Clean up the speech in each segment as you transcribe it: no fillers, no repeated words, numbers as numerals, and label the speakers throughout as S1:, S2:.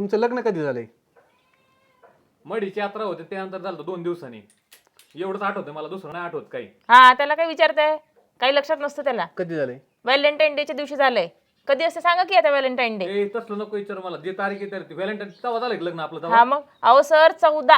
S1: तुमचं लग्न कधी झालंय?
S2: मडीची यात्रा होते त्यानंतर झालं 2 दिवसांनी. एवढंच आठवतं मला, दुसरं नाही आठवत काही.
S3: हा त्याला काय विचारताय? काही लक्षात नसतं त्याला.
S1: कधी झालंय?
S3: व्हॅलेंटाईन डेच्या दिवशी झालंय. कधी असं सांगा की आता व्हॅलेंटाईन डे.
S2: ए तसलं नको विचार मला, जे तारीख आहे ती व्हॅलेंटाईन तेव्हा झालं की लग्न आपलं
S3: हा
S2: तेव्हा.
S3: मग अहो सर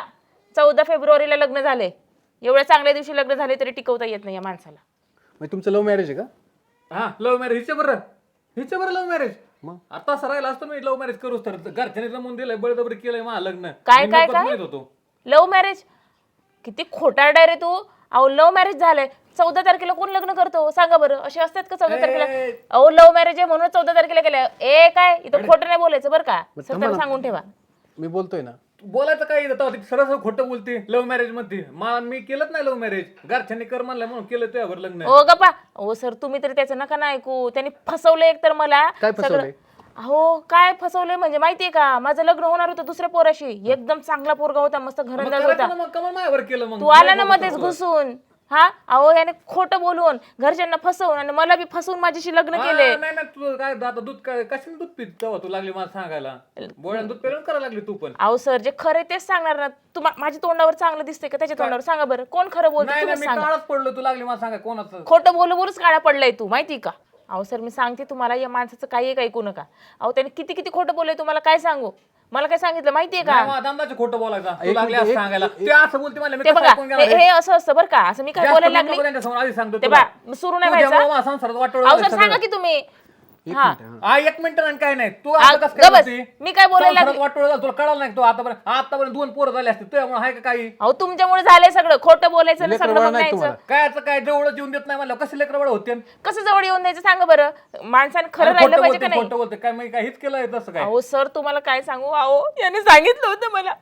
S3: 14 फेब्रुवारीला लग्न झाले. एवढ्या चांगल्या दिवशी लग्न झाले तरी टिकवता येत नाही या माणसाला.
S1: म्हणजे तुमचं लव्ह मॅरेज आहे का?
S2: हा लव्ह मॅरेज. हिचे बरं लव्ह मॅरेज.
S1: मग
S2: आता सरायला असतो मी लव्ह मॅरेज करूच तर घरच्याने जमून दिलंय, बळजबरी केलंय मला लग्न.
S3: काय
S2: मी
S3: काय
S2: नकोच
S3: काय
S2: म्हणत होतो.
S3: Love marriage? किती खोटारडा रे तू. अहो लव्ह मॅरेज झालंय. 14 तारखेला कोण लग्न करतो सांगा बरं? असे असतात का 14 तारखेला? अहो लव्ह मॅरेज आहे म्हणून 14 तारखेला केलं. ए काय इथं खोटं नाही बोलायचं बरं का, सत्याला सांगून ठेवा.
S1: मी बोलतोय ना.
S2: बोलायचं काय तेव्हा सरळ खोटं बोलते लव्ह मॅरेज मध्ये. मी केलंच नाही लव्ह मॅरेज, घरच्यांनी कर म्हणलं म्हणून केलं त्यावर लग्न.
S3: ओ गप्पा. ओ सर तुम्ही तरी त्याचं नका ना ऐकू. त्यांनी फसवलं एक तर मला.
S1: काय फसवलंय?
S3: अहो काय फसवलंय म्हणजे माहितीये का, माझं लग्न होणार होतं दुसऱ्या पोराशी. एकदम चांगला पोरगा होता, मस्त घरंदाज होता.
S2: मग कमल माझ्यावर केलं. मग
S3: तू आला ना मध्येच घुसून. हा अहो याने खोटं बोलून घरच्यांना फसवून आणि मला बी फसवून माझ्याशी लग्न केले.
S2: नाही नाही तू काय आता दूध काय कशाने दूध पित तेव्हा तू लागली मला सांगायला. बोळ्यानं दूध पेरून करायला लागली तू पण.
S3: अहो सर जे खरं तेच सांगणार ना. तू माझ्या तोंडावर चांगलं दिसतंय का त्याच्या तोंडावर सांगा बरं? कोण खरं बोलतो
S2: नाही
S3: तुम्ही
S2: मी
S3: सांगा.
S2: काळच पडलो, तू लागली मला सांगा कोणाचं.
S3: खोटं बोलूनच काळा पडलाय तू माहिती का? अहो सर मी सांगते तुम्हाला या माणसाचं काही एक ऐकू नका. अहो त्याने किती किती खोटं बोललंय तुम्हाला काय सांगू. मला काय सांगितलं माहितीये का?
S2: दामदाचे खोटं बोलायचं तू लागली असं सांगायला. ते असं बोलते मला मी
S3: ते
S2: कसं
S3: बघा
S2: ऐकून घेणार
S3: हे असं असतं बरं का. असं मी काय
S2: जास्त
S3: बोलायला
S2: नको
S3: लागली
S2: त्यांच्यासमोर आधी सांगतो
S3: ते
S2: तुला.
S3: बा सुरू नाही
S2: तुझ्यामुळं
S3: व्हायचं.
S2: माझ्या संसारात वाटोळं
S3: अहो
S2: झालं
S3: सर
S2: सगळं.
S3: सांगा की तुम्ही.
S1: एक
S3: हा
S1: मिनिट, हा.
S2: हा 1 मिनिट आणि काय नाही तू असं कसं काय
S3: गबस.
S2: बोलते?
S3: मी काय बोलायला
S2: संसारात
S3: लागली?
S2: वाटोळं झालं तुला कळलं नाही. तू आतापर्यंत 2 पोरं झाले असते तुझ्यामुळे आहे का काही?
S3: अहो तुमच्यामुळे झालंय सगळं. खोटं बोलायचं ना
S1: लेकरं
S3: सगळं
S1: बाळ
S3: बघ
S1: नाही
S3: न्यायचं.
S1: तुम्हाला.
S2: काय आता काय जवळच येऊन देत नाही मला. कसे लेकर बळ होते
S3: कसं जवळ येऊन द्यायचं सांगा बरं? माणसाने खरं राहिलं पाहिजे का नाही?
S2: खोटं बोलते काय मी काय हेच केलंय तसं काय.
S3: अहो सर तुम्हाला काय सांगू. अहो याने सांगितलं होतं मला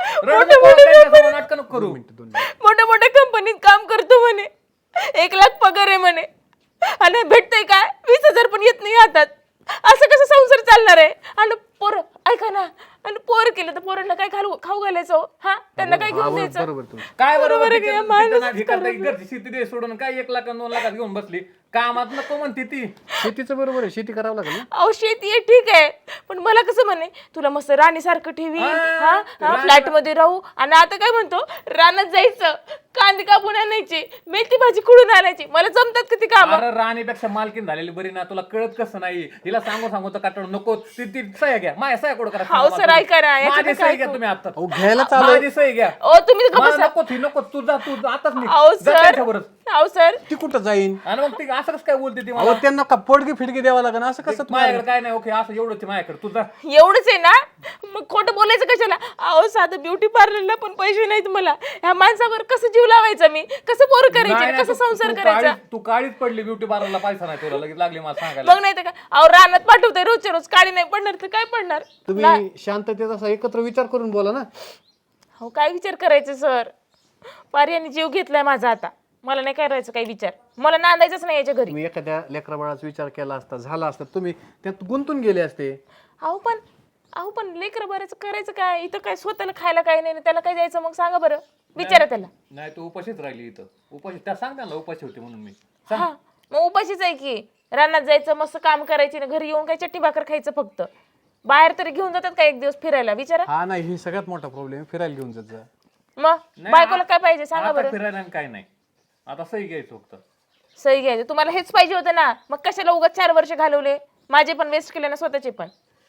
S2: नाटक नको करू.
S3: मोठ्या मोठ्या कंपनीत काम करतो म्हणे. 1 लाख पगार आहे म्हणे. आणि भेटतंय काय 20,000 पण येत नाही हातात. असं कसं संसार चालणार आहे? आणि पोर ऐका ना, आणि पोर केलं तर पोरांना काय खाऊ घालायचं हो? हा त्यांना काय घेऊन द्यायचं?
S1: बरोबर तुम्ही.
S2: काय
S3: बरोबर
S2: बरोबर
S3: आहे की या माणसाचं
S2: घरची शेती दे सोडून काय 1 लाख 2 लाखात घेऊन बसली. कामात नको म्हणते ती.
S1: शेतीचं बरोबर आहे, शेती करावं लागेल ना.
S3: अहो शेती आहे ठीक आहे, पण मला कसं म्हणे तुला मस्त राणीसारखं ठेवी, हा फ्लॅट मध्ये राहू. आणि आता काय म्हणतो रानात जायचं, कांदे कापून आणायची, मेथी भाजी कुडून आणायची. मला जमतात का ती काम?
S2: अरे राणीपेक्षा मालकीन झालेली बरी ना. तुला कळत कसं नाही? हिला सांगू तर काटण नको. ती सह्या घ्या, माझ्या सह्या कुठं करा.
S3: हाव सर ऐका ना, याच्यात
S2: माझी
S3: काय
S2: सही घ्या तुम्ही आता.
S1: अहो घ्यायला चालू
S2: माझी सही घ्या.
S3: ओ तुम्ही गप्प
S2: मला
S3: बसा.
S2: नको ती नको. तू जा आताच नाही.
S3: अहो सर, अहो सर
S1: ती कुठं जाईन?
S2: आणि मग ती असं कसं काय बोलते ती
S1: अहो
S2: मला?
S1: त्यांना का पोडगी फिडगी द्यावं लागेल असं कसं तुम्हाला?
S2: माझ्याकडे काय नाही. ओके असं एवढंच माझ्याकडे. तू जा.
S3: एवढंच आहे ना, मग खोटं बोलायचं कशाला? अहो साधं ब्युटी पार्लरला पण पैसे नाहीत मला. ह्या माणसावर कसं जीव लावायचा मी? कसं पोर करायचे,
S2: नाही,
S3: कसं
S2: तू-
S3: संसार
S2: तू
S3: करायचा?
S2: काळीच- तू काळीच पडली ब्युटी पार्लरला. पैसा नाही तुला लगेच लागली मला सांगायला.
S3: बघ नाही तर का अहो रानात पाठवते रोजच्या रोज, काळी नाही पडणार तर काय पडणार?
S1: तुम्ही शांततेत असा एकत्र विचार करून बोला ना.
S3: हो काय विचार करायचे सर? पार्याने जीव घेतलाय माझा आता. मला नाही करायचं काही विचार. मला नांदायचंच नाही याच्या घरी.
S1: तुम्ही एखाद्या लेकरा बाळाचा विचार केला असता, झाला असता, तुम्ही त्यात गुंतून गेले असते.
S3: अहो पण लेकर बऱ्याच करायचं काय? इथं काय स्वतःला खायला काय नाही, त्याला काय द्यायचं मग सांगा बरं? विचारा त्याला.
S2: नाही तू उपाशीच राहिली इथं. उपाशी त्या सांग त्यांना उपाशी होती म्हणून मी.
S3: हा मग उपाशीच आहे की. रानात जायचं, मस्त काम करायची ना, घरी येऊन काय चट्टी भाकर खायचं फक्त. बाहेर तरी घेऊन जातात का 1 दिवस फिरायला? विचारा.
S1: हा नाही, ही सगळ्यात मोठा प्रॉब्लेम. फिरायला घेऊन जात जा.
S3: मग बायकोला काय पाहिजे सांगा
S2: आता
S3: बरं?
S2: फिरायला आणि काय नाही. आता सही घ्यायचं फक्त.
S3: सही घ्यायचं तुम्हाला हेच पाहिजे होतं ना. मग कशाला उगाच 4 वर्ष घालवले? माझे पण वेस्ट केले ना, स्वतःचे पण.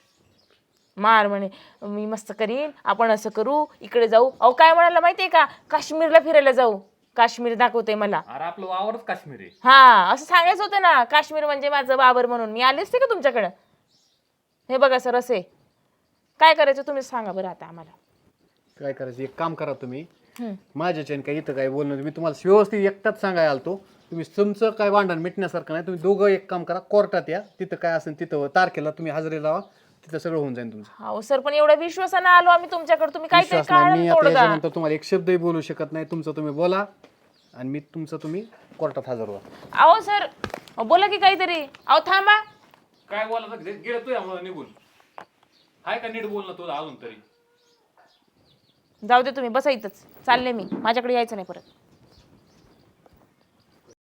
S3: मार म्हणे मी मस्त करीन, आपण असं करू, इकडे जाऊ. अहो काय म्हणाला माहितीये का? काश्मीरला फिरायला जाऊ. काश्मीर दाखवते मला.
S2: अरे आपलं वावरच काश्मीर आहे.
S3: हा असं सांगायचं होतं ना. काश्मीर म्हणजे माझं बाबर म्हणून. मी आले असते का तुमच्याकडं? हे बघा सर असे काय करायचं तुम्ही सांगा बरं आता आम्हाला.
S1: काय करायचं, एक काम करा तुम्ही. माझ्याच्या काय इथं काय बोलणं, मी तुम्हाला व्यवस्थित एकटाच सांगायला आलतो. तुम्ही तुमचं काय भांडण मिटण्यासारखं नाही. तुम्ही दोघं एक काम करा, कोर्टात या. तिथं काय असेल तिथं तारखेला तुम्ही हजेरी लावा. तिथं सगळं होऊन जाईल तुमचं.
S3: हो सर पण एवढ्या विश्वासानं आलो आम्ही तुमच्याकडे. तुम्ही काहीतरी
S1: विश्वास नाही. मी
S3: काढून
S1: आता
S3: तोडगा.
S1: याच्यानंतर तुम्हाला एक शब्दही बोलू शकत नाही. तुमचं तुम्ही बोला आणि मी तुमचं तुम्ही कोर्टात हजर व्हा.
S3: अहो सर बोला की काहीतरी. अहो थांबा.
S2: काय बोलायचं गेलं तू यामुळे निघून. हाय का नीट बोलणं तुला अजून तरी?
S3: जाऊ दे तुम्ही बसा इथंच. चालले मी. माझ्याकडे यायचं नाही परत.